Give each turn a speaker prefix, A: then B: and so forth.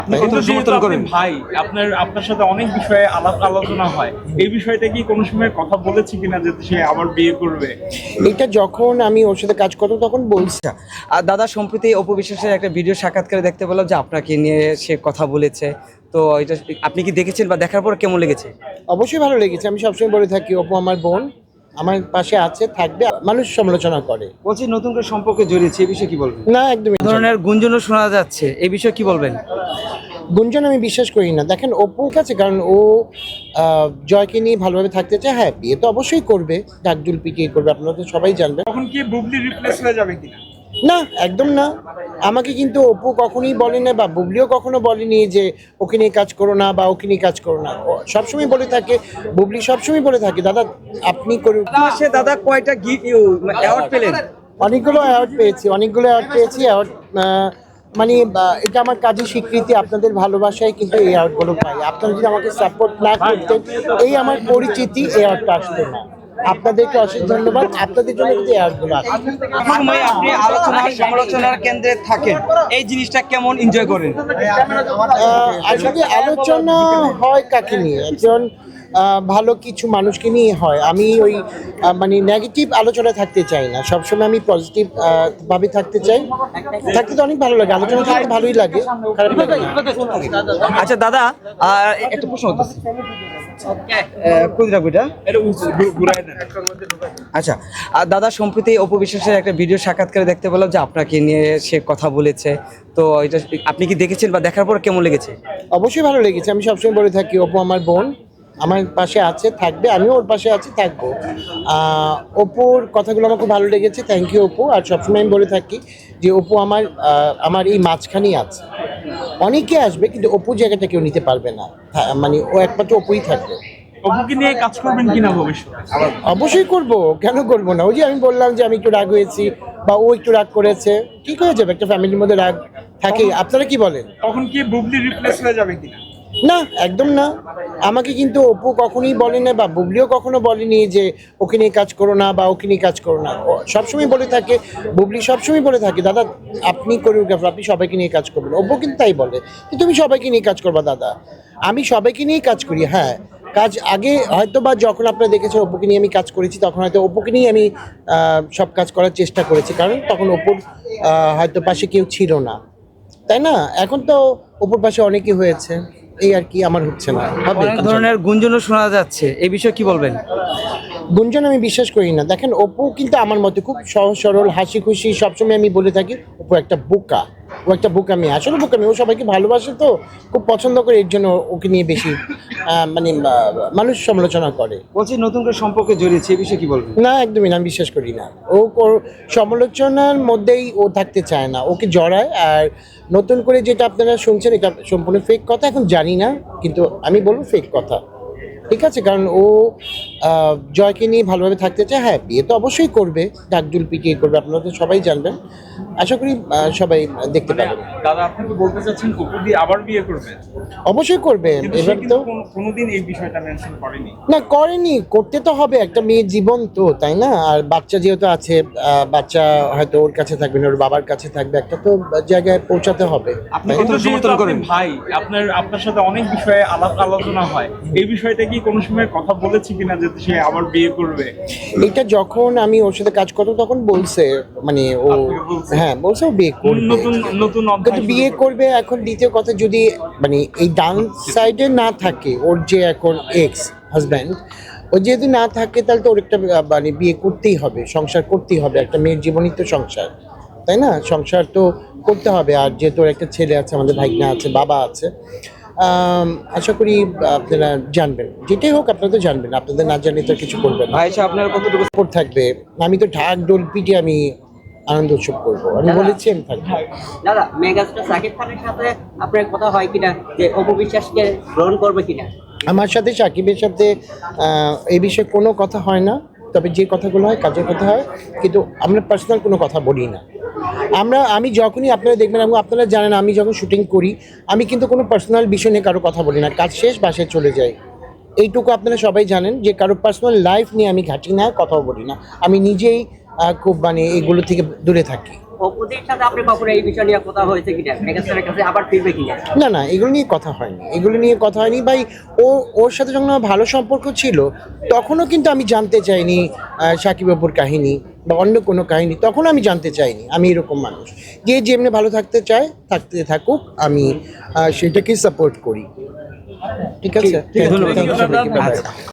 A: কিন্তু যেহেতু আপনি
B: করেন
A: ভাই, আপনার সাথে অনেক বিষয়ে আলোচনা হয়, এই বিষয়টা কি কোনো সময় কথা বলেছি কিনা যে সে আবার বিয়ে করবে?
C: এটা যখন আমি ওর সাথে কাজ করতাম তখন বলছি।
B: আর দাদা সম্প্রতি অপু বিশ্বাসের একটা ভিডিও সাক্ষাৎকারে দেখতে পেলাম যে আপনাকে নিয়ে সে কথা বলেছে। তো এটা আপনি কি দেখেছেন বা দেখার পর কেমন লেগেছে?
C: অবশ্যই ভালো লেগেছে। আমি সবসময় বলে থাকি অপু আমার বোন, আমার পাশে আছে, থাকবে। মানুষ সমালোচনা করে,
B: বলছি নতুন করে সম্পর্কে জড়িয়েছে, এই বিষয়ে কি বলবেন?
C: না একদমই
B: এই ধরনের গুঞ্জনও শোনা যাচ্ছে, এই বিষয়ে কি বলবেন?
C: গুঞ্জন আমি বিশ্বাস করি না। দেখেন অপু কাছে, কারণ ও জয়কে নিয়ে ভালোভাবে থাকতে চায়। হ্যাঁ, বিয়ে তো অবশ্যই করবে, ডাকডুল পিটিয়ে করবে, আপনারা তো সবাই জানবেন।
A: তখন কি বুবলি রিপ্লেস হয়ে যাবে কিনা?
C: না, একদম না। আমাকে কিন্তু অপু কখনোই বলে না, বা বুবলিও কখনো বলেনি যে ওকে নিয়ে কাজ করো না বা ওকে নিয়ে কাজ করো না। ও সবসময় বলে থাকে, বুবলি সবসময় বলে থাকে, দাদা আপনি করুন।
B: সে দাদা কয়টা অ্যাওয়ার্ড পেলেন?
C: অনেকগুলো অ্যাওয়ার্ড পেয়েছি, অ্যাওয়ার্ড মানে এটা আমার কাজের স্বীকৃতি। আপনাদের ভালোবাসায় কিন্তু এই অ্যাওয়ার্ডগুলো পাই। আপনারা যদি আমাকে সাপোর্ট না করতেন, এই আমার পরিচিতি এই অ্যাওয়ার্ডটা আসতো না। আপনাদেরকে অশেষ ধন্যবাদ। আপনাদের জন্য কিন্তু এই অ্যাওয়ার্ডগুলো আসে।
B: সময় আপনি আলোচনা সমালোচনার কেন্দ্রে থাকেন, এই জিনিসটা কেমন এনজয় করেন?
C: আসলে আলোচনা হয় কাকে নিয়ে? একজন ভালো কিছু মানুষকে নিয়ে হয়। আমি ওই মানে নেগেটিভ আলোচনা থাকতে চাই না, সবসময় আমি পজিটিভ ভাবে থাকতে চাই। থাকতে তো অনেক ভালো লাগে, আলোচনা থাকতে ভালোই লাগে, খারাপ লাগে না।
B: আচ্ছা দাদা, একটা প্রশ্ন হতেছে, কই রাখবো এটা?
A: এটা ঘুরায় দেন।
B: আচ্ছা, আর দাদা সম্প্রতি অপু বিশ্বাসের একটা ভিডিও সাক্ষাৎকারে দেখতে পেলাম যে আপনাকে নিয়ে সে কথা বলেছে। তো এটা আপনি কি দেখেছেন বা দেখার পর কেমন লেগেছে?
C: অবশ্যই ভালো লেগেছে। আমি সবসময় বলে থাকি অপু আমার বোন, আমার পাশে আছে, থাকবে। আমিও ওর পাশে আছি, থাকবো। অপুর কথাগুলো আমার খুব ভালো লেগেছে। Thank you Apu. আর সবসময় আমি বলে থাকি যে অপু আমার এই মাঝখানেই আছে। অনেকে আসবে কিন্তু অপু জায়গাটা কেউ নিতে পারবে না। হ্যাঁ, মানে ও একমাত্র অপুই থাকবে।
A: অপুকে নিয়ে কাজ করবেন কিনা ভবিষ্যতে?
C: অবশ্যই করব, কেন করব না? ওই যে আমি বললাম যে আমি একটু রাগ হয়েছি বা ও একটু রাগ করেছে, ঠিক হয়ে যাবে। একটা ফ্যামিলির মধ্যে রাগ থাকে। আপনারা কি বলেন?
A: তখন কি বুবলি রিপ্লেস হয়ে যাবে কিনা?
C: না, একদম না। আমাকে কিন্তু অপু কখনোই বলে না, বা বুবলিও কখনো বলেনি যে ওকে নিয়ে কাজ করো না বা ওকে নিয়ে কাজ করো না। ও সবসময় বলে থাকে, বুবলি সবসময় বলে থাকে, দাদা আপনি কোরিওগ্রাফার, আপনি সবাইকে নিয়ে কাজ করবেন। অপু কিন্তু তাই বলে যে তুমি সবাইকে নিয়ে কাজ করবা দাদা। আমি সবাইকে নিয়েই কাজ করি। হ্যাঁ, কাজ আগে হয়তো বা যখন আপনারা দেখেছেন অপুকে নিয়ে আমি কাজ করেছি, তখন হয়তো অপুকে নিয়ে আমি সব কাজ করার চেষ্টা করেছি, কারণ তখন অপুর হয়তো পাশে কেউ ছিল না, তাই না? এখন তো অপুর পাশে অনেকেই হয়েছে, এই আর কি। আমার হচ্ছে না, হবে।
B: অনেক ধরনের গুঞ্জনও শোনা যাচ্ছে, এই বিষয়ে কি বলবেন?
C: গুঞ্জন আমি বিশ্বাস করি না। দেখেন অপু কিন্তু আমার মতে খুব সহজ সরল, হাসি খুশি। সবসময় আমি বলে থাকি অপু একটা বোকা, ও একটা বোকা মেয়ে। আসলে বোকা মেয়ে, ও সবাইকে ভালোবাসে, তো খুব পছন্দ করে, এর জন্য ওকে নিয়ে বেশি মানে মানুষ সমালোচনা করে।
B: বলছি নতুন করে সম্পর্কে জড়িয়েছে, এই বিষয়ে কি বলবেন?
C: না, একদমই না, আমি বিশ্বাস করি না। ও সমালোচনার মধ্যেই ও থাকতে চায় না, ওকে জড়ায়। আর নতুন করে যেটা আপনারা শুনছেন, এটা সম্পূর্ণ ফেক কথা। এখন জানি না, কিন্তু আমি বলবো ফেক কথা, ঠিক আছে? কারণ ও জয়কে নিয়ে ভালোভাবে থাকতে চায়। হ্যাঁ, বিয়ে তো অবশ্যই করবে, ডাকডুল পিটিয়ে করবে, আপনারা তো সবাই জানবেন। আশা করি সবাই দেখতে পাবেন।
A: দাদা, আপনি কি বলতে চাচ্ছেন অপু দিয়ে আবার বিয়ে করবেন?
C: অবশ্যই করবে।
A: কিন্তু সে
C: এবার
A: কিন্তু
C: তো
A: কোনোদিন এই বিষয়টা মেনশন করেনি।
C: না, করেনি, করতে তো হবে। একটা মেয়ের জীবন তো, তাই না? আর বাচ্চা যেহেতু আছে, বাচ্চা হয়তো ওর কাছে থাকবে না, ওর বাবার কাছে থাকবে। একটা তো জায়গায় পৌঁছাতে হবে।
B: আপনি
A: কিন্তু
B: কত
A: যেহেতু
B: সমর্থন
A: আপনি
B: করেন?
A: ভাই, আপনার সাথে অনেক বিষয়ে আলোচনা হয়, এই বিষয়টা কি কোনো সময় কথা বলেছি কিনা যে সে আবার বিয়ে করবে?
C: এটা যখন আমি ওর সাথে কাজ করতাম তখন বলছে, মানে ও,
A: আপনাকে বলছে?
C: হ্যাঁ বলছে ও বিয়ে করবে।
A: নতুন অধ্যায়
C: কিন্তু বিয়ে
A: শুরু
C: করবে। এখন দ্বিতীয় কথা, যদি মানে এই ডান সাইডে না থাকে, ওর যে এখন এক্স হাজব্যান্ড, ও যদি না থাকে, তাহলে তো ওর একটা মানে বিয়ে করতেই হবে, সংসার করতেই হবে। একটা মেয়ের জীবনই তো সংসার, তাই না? সংসার তো করতে হবে। আর যেহেতু ওর একটা ছেলে আছে, আমাদের ভাইনা আছে, বাবা আছে, আশা করি আপনারা জানবেন। যেটাই হোক আপনারা তো জানবেন, আপনাদের না জানলে তো কিছু করবেন না।
B: ভাই সাহেব, আপনার কতটুকু
C: সাপোর্ট থাকবে। আমি তো ঢাক ডোল পিটিয়ে আমি আনন্দ উৎসব করবো, আমি বলেছি আমি থাকবো।
D: দাদা, মেগাস্টার সাকিব খানের সাথে আপনার কথা হয় কিনা যে অপু বিশ্বাসকে গ্রহণ করবে কিনা?
C: আমার সাথে সাকিবের সাথে এই বিষয়ে কোনো কথা হয় না। তবে যে কথাগুলো হয় কাজের কথা হয়, কিন্তু আমরা পার্সোনাল কোনো কথা বলি না। আমি যখনই, আপনারা দেখবেন এবং আপনারা জানেন, আমি যখন শুটিং করি, আমি কিন্তু কোনো পার্সোনাল বিষয় নিয়ে কারো কথা বলি না। কাজ শেষ, বাসায় চলে যাই। এইটুকু আপনারা সবাই জানেন যে কারো পার্সোনাল লাইফ নিয়ে আমি ঘাঁটি না, কথাও বলি না। আমি নিজেই খুব মানে এগুলো থেকে দূরে থাকি।
D: অপুদের সাথে আপনি কখনো এই বিষয় নিয়ে কথা হয়েছে কিনা, মেগাস্টারের কাছে আবার ফিরবে কিনা?
C: না না, এগুলো নিয়ে কথা হয়নি, এগুলো নিয়ে কথা হয়নি ভাই। ওর সাথে যখন আমার ভালো সম্পর্ক ছিল তখনও কিন্তু আমি জানতে চাইনি সাকিব অপুর কাহিনী বা অন্য কোনো কাহিনী, তখন আমি জানতে চাইনি। আমি এরকম মানুষ যে যেমনি ভালো থাকতে চায় থাকতে থাকুক, আমি সেটাকেই সাপোর্ট করি। ঠিক আছে,
B: ধন্যবাদ।
C: Thank you সবাইকে। Bye bye.